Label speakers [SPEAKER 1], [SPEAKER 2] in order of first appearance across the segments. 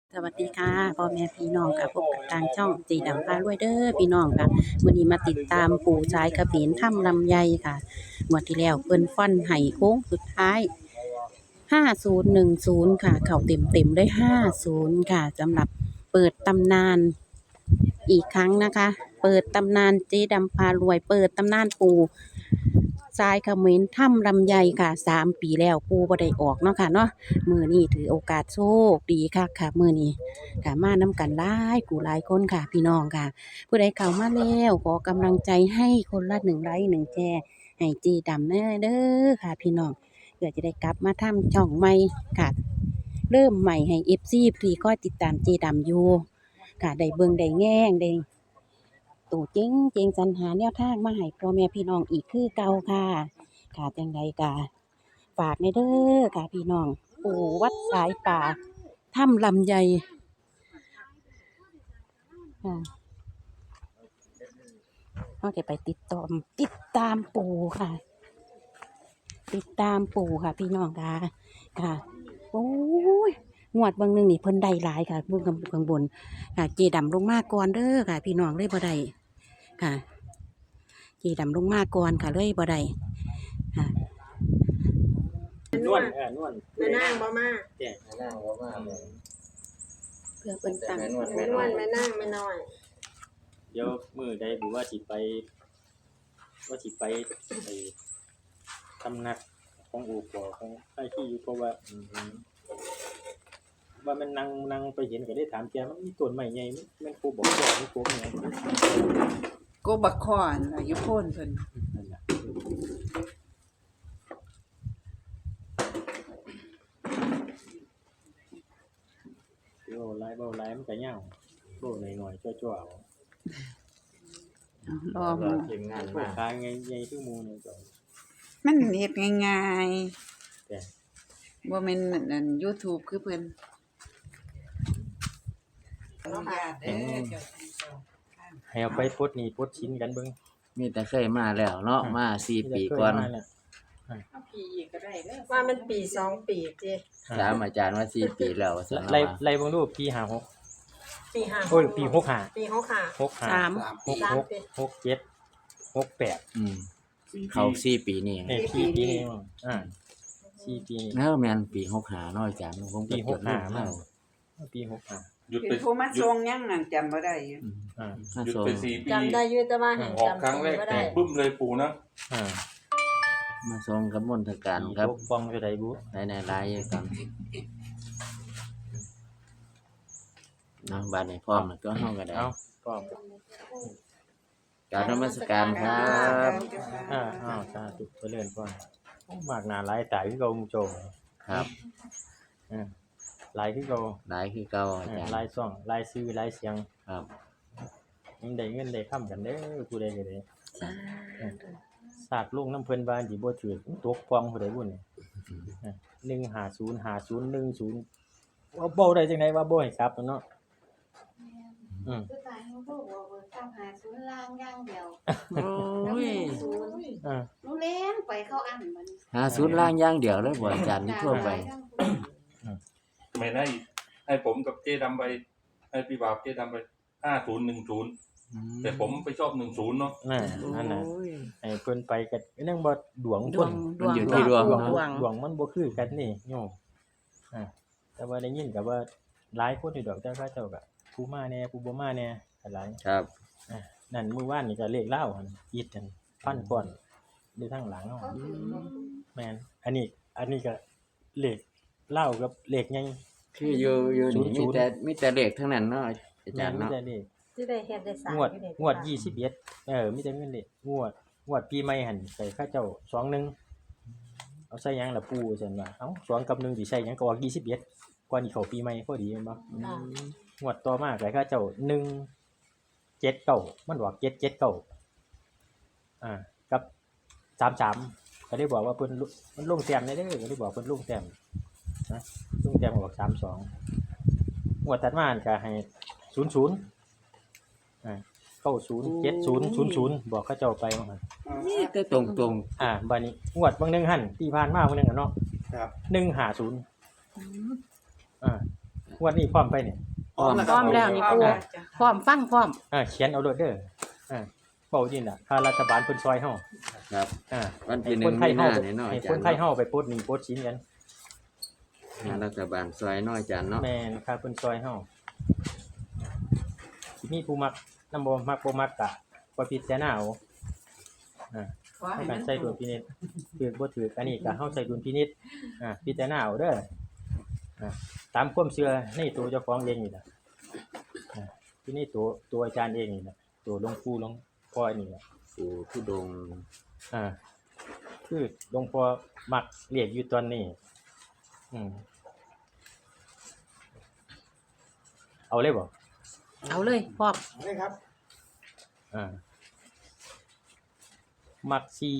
[SPEAKER 1] สวัสดีค่ะพ่อแม่พี่น้องค่ะพบกับทางช่องเจดำพารวยเด้อพี่น้องค่ะวันนี้มาติดตามปู่ชายเขมรถ้ำลำไยค่ะงวดที่แล้วเพิ่นฟันไห้โค้งสุดท้าย5010ค่ะเข้าเต็มๆได้50ค่ะสำหรับเปิดตำนานอีกครั้งนะคะ เปิดตำนานเจดำพารวยเปิดตำนานปู่ชายเขมรถ้ำลำไยค่ะ3 ปีแล้วปู่บ่ได้ออกเนาะค่ะเนาะมื้อนี้ถือโอกาสโชคดีคักค่ะมื้อนี้ค่ะมานำกันหลายหลายคนค่ะพี่น้องค่ะผู้ใดเข้ามาแล้วขอกำลังใจให้คนละ1 ไลค์1 แชร์ให้เจดำเด้อค่ะพี่น้องเพื่อจะได้กลับมาทำช่องใหม่ค่ะเริ่มใหม่ให้ FC ที่คอยติดตามเจดำอยู่ค่ะได้เบิ่งได้แง่งได้ตู่เจ๋งสรรหาแนวทางมาให้พ่อแม่พี่น้องอีกคือเก่าค่ะค่ะจังใดก็ฝากในเด้อค่ะพี่น้องปู่วัดสายป่าถ้ำลำไยค่ะเราจะไปติดตามปู่ค่ะ ติดตามปู่ค่ะพี่น้องค่ะค่ะโอ้ยงวดบางหนึงนี่เพิ่นได้หลายค่ะเบิ่งข้างบนค่ะเจดำลงมาก่อนเด้อค่ะพี่น้องเลยบ่ได้ค่ะเจดำลงมาก่อนค่ะเลยบ่ได้ค่ะ
[SPEAKER 2] นวลนวล
[SPEAKER 3] แม่นางบ่มา
[SPEAKER 2] แจ้ง
[SPEAKER 4] นั่งว่ามาเลย
[SPEAKER 1] เพื่อเพิ่นตั้ง
[SPEAKER 4] แม่นวด
[SPEAKER 3] แม่นวลแม่นางแม่น้อย
[SPEAKER 2] เดี๋ยวมื้อใดบ่ว่าสิไปไปทำนักของอู่ปอของไอ้ที่อยู่เพราะว่าว่ามันนั่งไปเห็นก็ได้ถามแกมันมีต้นไม้ใหญ่มันโคบอกว่ามันโคเนี่ย
[SPEAKER 5] โกบักคอนอายุพ่นเพิ่น
[SPEAKER 2] นั่นน่ะเว้าหลายมันก็ยาวโลหน่อยๆจ้อๆเอา
[SPEAKER 5] รอหมู
[SPEAKER 4] ทีมงาน
[SPEAKER 2] พว
[SPEAKER 4] มาก
[SPEAKER 2] ค้าใหญ่ๆคือหมู่นี่ก็
[SPEAKER 5] มันเฮ็ดง่าย
[SPEAKER 2] แต่
[SPEAKER 5] ๆบ่แม่นนั่น YouTube คือเพิ่นอนุญาตเด้อเจ้าทั้งสองท่าน
[SPEAKER 2] ให้เอาไปปลดหนี้ปลดชิ้นกันเบิ่ง
[SPEAKER 4] มีแต่เคยมาแล้วเนาะมา4 ปีก่อน
[SPEAKER 5] เอาพี่อีกก็ได้เด้อ
[SPEAKER 3] ว่ามันปี2 ปีเจ้
[SPEAKER 4] ถามอาจารย์ว่า4 ปีแล้วว่าซั่น
[SPEAKER 2] ไล่
[SPEAKER 4] ว่า
[SPEAKER 2] ไล่เบิ่งดูปี56
[SPEAKER 3] ปี5
[SPEAKER 2] โอ้ยปี65
[SPEAKER 3] ปี65
[SPEAKER 1] สาม
[SPEAKER 2] 67 68
[SPEAKER 4] อืมเขา4 ปีนี่
[SPEAKER 2] เนี่ยปีนี้4 ปี
[SPEAKER 4] แล้วแม่นปี65เนาะอาจารย์ผมก็
[SPEAKER 2] ปี
[SPEAKER 4] จดรูป
[SPEAKER 2] 65
[SPEAKER 4] แล้
[SPEAKER 2] มาว ปี65
[SPEAKER 6] หยุด
[SPEAKER 5] เป็
[SPEAKER 6] ไป
[SPEAKER 5] นผู้มาส่งยังนั่นจำบ่ได้อยู่
[SPEAKER 2] อ่า
[SPEAKER 4] มา
[SPEAKER 6] หยุด
[SPEAKER 4] ส่ง
[SPEAKER 6] ไป4 ปี
[SPEAKER 3] จำได้อยู่แต่ว่าหัน
[SPEAKER 6] ออก
[SPEAKER 3] จำ
[SPEAKER 6] ครั้งแรก
[SPEAKER 3] บ่
[SPEAKER 6] แต
[SPEAKER 3] ได้
[SPEAKER 6] กบึ้มเลยปู่นะ
[SPEAKER 2] อ่า
[SPEAKER 4] มาส่งกับมนทการครับ
[SPEAKER 2] ปกป้องอยู่ไดบุ
[SPEAKER 4] ในรายกันเนาะบัดนี้พร้อมแล้วก็เฮาก็ได้
[SPEAKER 2] เอาก็
[SPEAKER 4] กรารนมัสการครับ
[SPEAKER 2] สาธุเจริญพรมากหน้าหลายตาคือเก่ามุโจม
[SPEAKER 4] ครับ
[SPEAKER 2] หลายคือเก่า
[SPEAKER 4] หลายคือเก่าอาจารย์
[SPEAKER 2] หลายซ่องหลายชื่อหลายเสียง
[SPEAKER 4] ครับ
[SPEAKER 2] มันได้เงินได้ค่ำกันเด้อผู้ใดก็ได้สากลุงน้ำเพิ่นบ้านสิบ่ถือตกความผู้ใดบุญ150 5010ว่าบ่ได้จังได๋ว่าบ่ให้กลับเนาะอืม
[SPEAKER 7] คือตายเขาบอกว่าเบิกเก้าหาศูนย์ล่างอย่างเดียว
[SPEAKER 5] โอ้ย
[SPEAKER 7] ศูนย์ หนูเลี้ยงไปเข้าอันมัน
[SPEAKER 4] หาศูนย์ล่างอย่างเดียวเลยบ่อาจารย์นี่ทั่วไป
[SPEAKER 6] ไม่ได้ให้ผมกับเจ๊ดำไปให้พี่บ่าวเจ๊ดำไป5010แต่ผมไปชอบ10เนาะ
[SPEAKER 2] นั่นน่ะ
[SPEAKER 5] โอ้ย
[SPEAKER 2] ให้เพิ่นไปก็ยังบ่ดวง
[SPEAKER 1] ด
[SPEAKER 2] ค
[SPEAKER 1] วน ง
[SPEAKER 4] มันอยู่ที่ดวง
[SPEAKER 2] ดวงมันบ่คือกันนี่โยมแต่ว่าได้ยินก็ว่าหลายคนอยู่ดอกแต่เขาเจ้าก็ผู้มาแน่ผู้บ่มาแน่ก็หลาย
[SPEAKER 4] ครับ
[SPEAKER 2] นั่นมื้อวานนี่ก็เลขลาวหั่นอีดกันฟันก่อนอยู่ทางหลังเนาะแม่นอันนี้ก็เลขลาวกับเลขใหญ่
[SPEAKER 4] คืออยู่นี่มีแต่เลขทั้งนั้นเนาะอาจารย์
[SPEAKER 2] มี
[SPEAKER 4] เนาะ
[SPEAKER 2] แต่เลข
[SPEAKER 3] ที่ได้เฮ็ดได้สร้าง
[SPEAKER 2] งวด
[SPEAKER 3] อยู่นี่
[SPEAKER 2] งวด21มีแต่เงินเลขงวดปีใหม่หั่นใส่เขาเจ้า21เอาใส่หยังล่ะปู่ซั่นว่าเอ้า2กับ1สิใส่หยังก็ออก21ก่อนสิเข้าปีใหม่พอดีแม่นบ่
[SPEAKER 3] อ่าง
[SPEAKER 2] วดต่อมาก็เขาเจ้า179มันออก779กับ33ก็ได้บอกว่าเพิ่นมันลงแต้มได้เด้อก็ได้บอกเพิ่นลงแต้มนะลงแต้มออก32งวดถัดมาก็ให้0090 70 00บอกเขาเจ้าไปว่าหั่น
[SPEAKER 4] นี่แต่ตรง
[SPEAKER 2] บัดนี้งวดบางนึงหั่นที่ผ่านมาบางนึงอะเนาะ
[SPEAKER 6] ครับ
[SPEAKER 2] 150 งวดนี้พร้อมไปเนี่ย
[SPEAKER 4] พร้อม
[SPEAKER 1] พร้อมแล้วนี่ปูพร้อมฟังพร้อม
[SPEAKER 2] เขียนเอาโลดเด้อเบายินค่ารัฐบาลเพิ่นซอยเฮา
[SPEAKER 4] ครับ
[SPEAKER 2] อ่า
[SPEAKER 4] วัน
[SPEAKER 2] ให้
[SPEAKER 4] ที่ห
[SPEAKER 2] ค
[SPEAKER 4] นึ่
[SPEAKER 2] น
[SPEAKER 4] ง
[SPEAKER 2] ไทย
[SPEAKER 4] มี
[SPEAKER 2] เฮา
[SPEAKER 4] นาเนี่ยเนาะ
[SPEAKER 2] ให้
[SPEAKER 4] อาจา
[SPEAKER 2] ค
[SPEAKER 4] ร
[SPEAKER 2] น
[SPEAKER 4] ย์
[SPEAKER 2] ไทยเฮาไปโพสต์หนี้โพสต์สินกัน
[SPEAKER 4] รัฐบาลซอยน้อยอาจารย์เนาะ
[SPEAKER 2] แม่นค่าเพิ่นซอยเฮาสิมีผู้มักนำบ่มักบ่มักก็บ่พิจารณาเอาให้กันใช้ดุลพินิจถือบ่ถืออันนี้ก็เฮาใช้ดุลพินิจพิจารณาเอาเด้อตามความเชื่อในตัวเจ้าของเองนี่ล่ะที่นี่ตัวอาจารย์เองนี่ล่ะตัวหลวงปู่หลวงพ่อนี่ล่ะ
[SPEAKER 4] ปู่ทุดงค์
[SPEAKER 2] คือหลวงพ่อมักเรียกอยู่ตอนนี้เอาเลยบ่
[SPEAKER 1] เอาเลยพร้อม
[SPEAKER 2] มัก4-5-9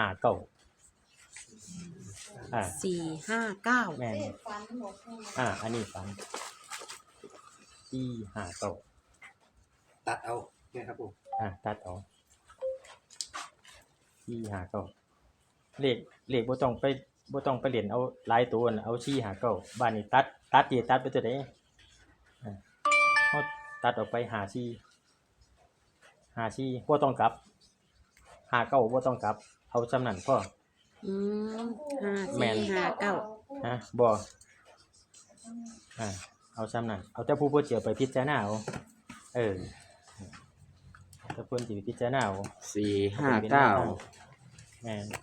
[SPEAKER 1] 4-5-9
[SPEAKER 2] แม่น
[SPEAKER 7] เลขฝันบ่ปู
[SPEAKER 2] อันนี้ฝัน4-5-9
[SPEAKER 8] ตัดเอาเนี่ยครับผม
[SPEAKER 2] ตัดเอา4-5-9เลขบ่ต้องไปเล่นเอาหลายตัวน่ะเอา4-5-9บ้านนี้ตัดไปตัวใดเฮาตัดออกไป54บ่ต้องกลับ59บ่ต้องกลับเอาจำนั้นพอ แม่น
[SPEAKER 1] 5-4-5-9
[SPEAKER 2] บ่เอาจำนั้นเอาแต่ผู้บ่เจียวไปพิจารณาเอาถ้าเพิ่นสิพิจารณาเอา
[SPEAKER 4] 459
[SPEAKER 2] แม่น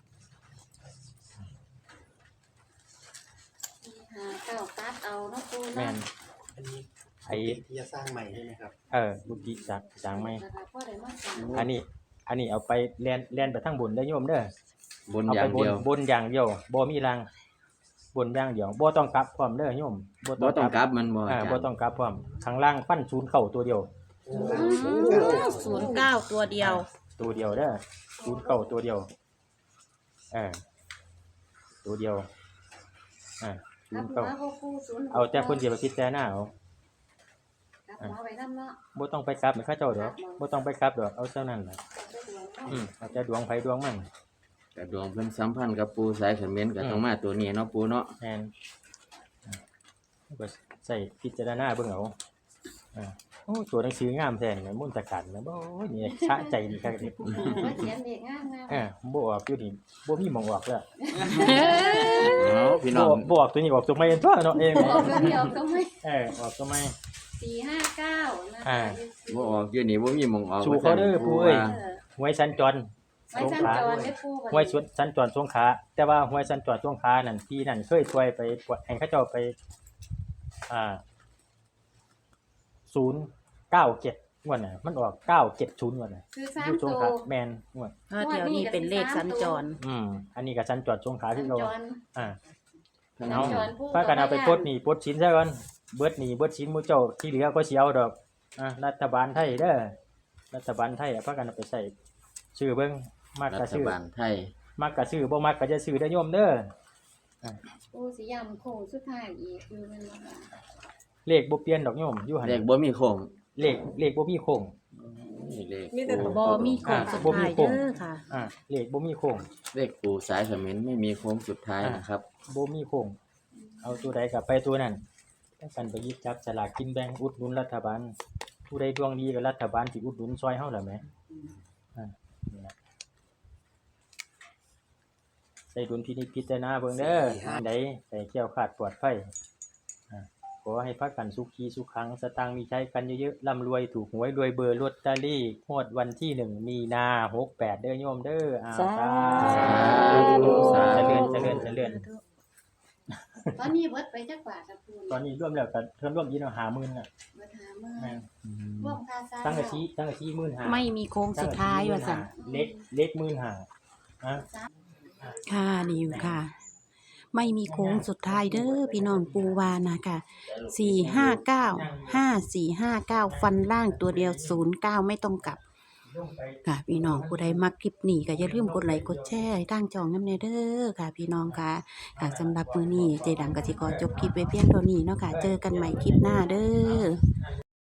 [SPEAKER 7] 4-5-9ตัดเอาเนาะปู
[SPEAKER 2] แม่น
[SPEAKER 7] เนาะ
[SPEAKER 8] อันนี้
[SPEAKER 2] ไอ้
[SPEAKER 8] ที่จะสร้างใหม่ใช่ไหมครับ
[SPEAKER 2] บุกิสร้างใหม่
[SPEAKER 7] แล้วก็พอได้มาสร้าง
[SPEAKER 2] อันนี้เอาไปแล่นไปทางบนได้อโยมเด้อบ
[SPEAKER 4] น
[SPEAKER 2] เอา
[SPEAKER 4] อ
[SPEAKER 2] ไป
[SPEAKER 4] ย่างเดียว
[SPEAKER 2] บนอย่างเดียวบ่มีรางบนอย่างเดียวบ่ต้องกลับพร้อมเด้อโยม
[SPEAKER 4] บ่ต้องกลับมันบ่อาจารย์
[SPEAKER 2] บ่ต้องกลับพร้อมข้างล่างฟันศูนย์เข้าตัวเดียว
[SPEAKER 1] 09 ตัวเดียว
[SPEAKER 2] ตัวเดียวเด้อศูนย์เข้าตัวเดียวตัวเดียวศู
[SPEAKER 7] กลั
[SPEAKER 2] น
[SPEAKER 7] บ
[SPEAKER 2] ย์
[SPEAKER 7] หั
[SPEAKER 2] เข้าว
[SPEAKER 7] บ่ปู0
[SPEAKER 2] เอาแต่เพิ่นสิไปพิจารณาเอา
[SPEAKER 7] กลับหัวไปนำเนาะ
[SPEAKER 2] บ่ต้องไปกลับให้เขาเจ้าดอกบ่ต้องไปกลับดอกเอาเท่านั้นล่ะ
[SPEAKER 7] เอาไปดวงเนาะ
[SPEAKER 2] เอาแต่ดวงไผดวงมัน
[SPEAKER 4] แต่ดวงเพิ่นสัมพันธ์กับปู่สายเขมรก็ต้องมาตัวนี้เนาะปู่เนาะ
[SPEAKER 2] แม่นก็ใส่พิจารณาเบิ่งเอาโอ้ตัวหนังสืองามแท้นี่มนตะกันนะบ่นี่ชะใจดีคักนี่
[SPEAKER 7] ว่าเขียนเด็กงามๆ
[SPEAKER 2] บ่ออกอยู่นี่บ่มีหม่องออกแล้ว
[SPEAKER 4] พี่น้อง
[SPEAKER 2] บ่ออกตัวนี้ออกตัวใหม่ตัวเนาะเอง
[SPEAKER 7] ออกตัวเดียวก็ไม่
[SPEAKER 2] ออกตัวใหม่
[SPEAKER 7] 4-5-9นะคะ
[SPEAKER 4] บ่ออกอยู่นี่บ่มีหม่องออก
[SPEAKER 2] สู่เขาเด้อปู่เอ้ย หวยสัญจร
[SPEAKER 7] ไว้สัญจรได้ปู
[SPEAKER 2] หวยสัญจรสงขลาแต่ว่าหวยสัญจรสงขลานั่นพี่นั่นเคยช่วยไปให้เขาเจ้าไป097งวดน่ะมันออก970งวดน่ะ
[SPEAKER 7] คือ
[SPEAKER 2] อยู่
[SPEAKER 7] 3
[SPEAKER 2] สง
[SPEAKER 7] ตัว
[SPEAKER 2] ขลาแม่นงวด
[SPEAKER 1] เดี๋ยวนี้เป็นเลขสัญจร
[SPEAKER 2] อันนี้ก็สัญจรสงขลา
[SPEAKER 7] สั
[SPEAKER 2] คือ
[SPEAKER 7] ญ
[SPEAKER 2] เรา
[SPEAKER 7] จร
[SPEAKER 4] ทั้ง
[SPEAKER 7] สัญ
[SPEAKER 4] เอา
[SPEAKER 7] จรปู
[SPEAKER 2] พากันเอาไปปลดหนี้ปลดสินซะก่อนเบิดหนี้เบิดสินหมู่เจ้าที่เหลือก็สิเอาดอกรัฐบาลไทยเด้อรัฐบาลไทยพากันเอาไปใส่ชื่อเบิ่งมัก
[SPEAKER 4] รั
[SPEAKER 2] ก็
[SPEAKER 4] ฐ
[SPEAKER 2] ชื่อบ
[SPEAKER 4] าลไทย
[SPEAKER 2] มักก็ชื่อบ่มักก็จะชื่อเด้อโยมเด้อ
[SPEAKER 7] ปูสิย้ำโค้งสุดท้ายอีกคือมันบ่ค่ะ
[SPEAKER 2] เลขบ่เปลี่ยนดอกโยมอยู่หั่น
[SPEAKER 4] เลขบ่มีโค้ง
[SPEAKER 2] เลขบ่มีโค้ง
[SPEAKER 4] นี่เลข
[SPEAKER 3] มีแต่
[SPEAKER 4] ปู่
[SPEAKER 1] บ่มีโค้งสุดท้ายเด้อค่ะ
[SPEAKER 2] เลขบ่มีโค้ง
[SPEAKER 4] เลขปู่สายเขมรไม่มีโค้งสุดท้ายนะครับ
[SPEAKER 2] บ่มีโค้งเอาตัวใดก็ไปตัวนั้นกันไปหยิบจับสลากกินแบ่งอุดหนุนรัฐบาลผู้ใดดวงดีก็รัฐบาลสิอุดหนุนซอยเฮาล่ะแหมนี่ล่ะใส่ดุลพินิจพิจารณาเบิ่งเด้ออันใดใส่แก้วขาดปลอดภัยขอให้พากันสุขีสุขังสตางค์มีใช้กันเยอะๆร่ำรวยถูกหวยรวยเบอร์ลอตเตอรี่งวดวันที่1มีนา68เด้อโยมเด้อสาธุเจริญ
[SPEAKER 7] ตอนนี้เบิดไปจักบาทครับปู
[SPEAKER 2] ตอนนี้รวมแล้วก็เพิ่นรวมอีกแล้ว50,000น่ะ
[SPEAKER 7] เบิดหามื้อ
[SPEAKER 2] แม่น
[SPEAKER 7] รวมค่าสร้าง
[SPEAKER 2] ตั้งแต่ชี้15,000
[SPEAKER 1] ไม่มีโค้งสุดท้ายว่าซั่น
[SPEAKER 2] เล็ก15,000นะ
[SPEAKER 1] ค่ะนี่อยู่ค่ะ ไม่มีโค้งสุดท้ายเด้อพี่น้องปูวานะคะ4595459ฟันล่างตัวเดียว09ไม่ต้องกลับค่ะพี่น้องผู้ใดมักคลิปนี้ก็อย่าลืมกดไลค์กดแชร์ให้ทางช่องนำแน่เด้อค่ะพี่น้องค่ะสำหรับมื้อนี้เจดังก็สิขอจบคลิปไว้เพียงเท่านี้เนาะค่ะเจอกันใหม่คลิปหน้าเด้อ